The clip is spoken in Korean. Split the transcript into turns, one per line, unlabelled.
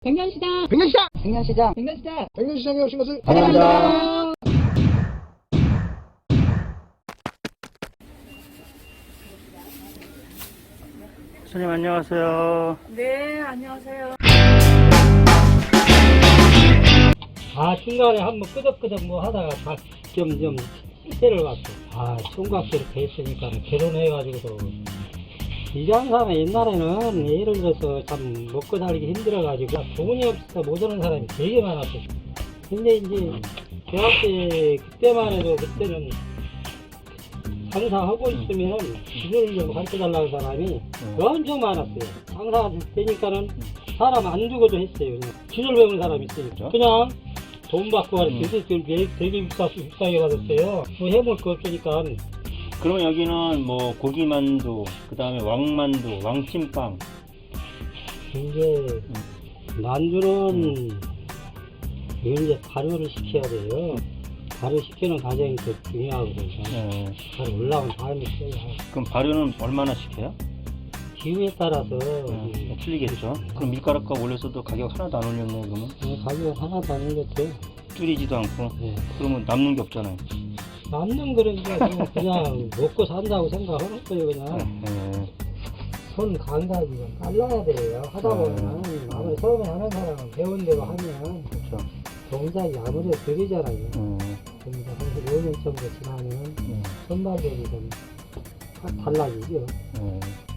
백년시장
백년시장!
백년시장
백년시장
백년시장에 오신 것을
환영합니다.
선생님 안녕하세요.
네, 안녕하세요.
중간에 한번 끄덕끄덕 뭐 하다가 좀 때를 갔어. 총각 이렇게 했으니까 결혼해가지고도 일하는 사람이 옛날에는 예를 들어서 참 먹고 살기 힘들어가지고 돈이 없어서 못 오는 사람이 되게 많았어. 근데 이제 대학 때 그때만 해도 그때는 장사하고 있으면 기술을 좀 가르쳐달라는 사람이 엄청 많았어요. 장사 되니까는 사람 안 두고도 했어요. 그냥 기술 배우는 사람이 있으니까 그냥 돈 받고 가르치는데 되게 비싸게 받았어요. 뭐 해볼 거 없으니까.
그러면 여기는 뭐 고기만두, 그 다음에 왕만두, 왕찐빵.
이제 만두는 이제 발효를 시켜야 돼요. 발효시키는 과정이 더 중요하거든요. 발효 올라온 다음에 써야.
그럼 발효는 얼마나 시켜요?
기후에 따라서
틀리겠죠. 그럼 밀가루값 올려서도 가격 하나도 안 올렸네 그러면?
가격 하나도 안 올렸대요.
줄이지도 않고.
네.
그러면 남는 게 없잖아요.
남는 그러니까 그냥 먹고 산다고 생각하는 거예요. 그냥 손 감각이 좀 빨라야 돼요. 하다 보면 아무리 처음에 하는 사람은 배운 대로 하면
그렇죠.
동작이 아무래도 느리잖아요. 그러니까 한 5년 정도 지나면 손발력이 좀 달라지죠.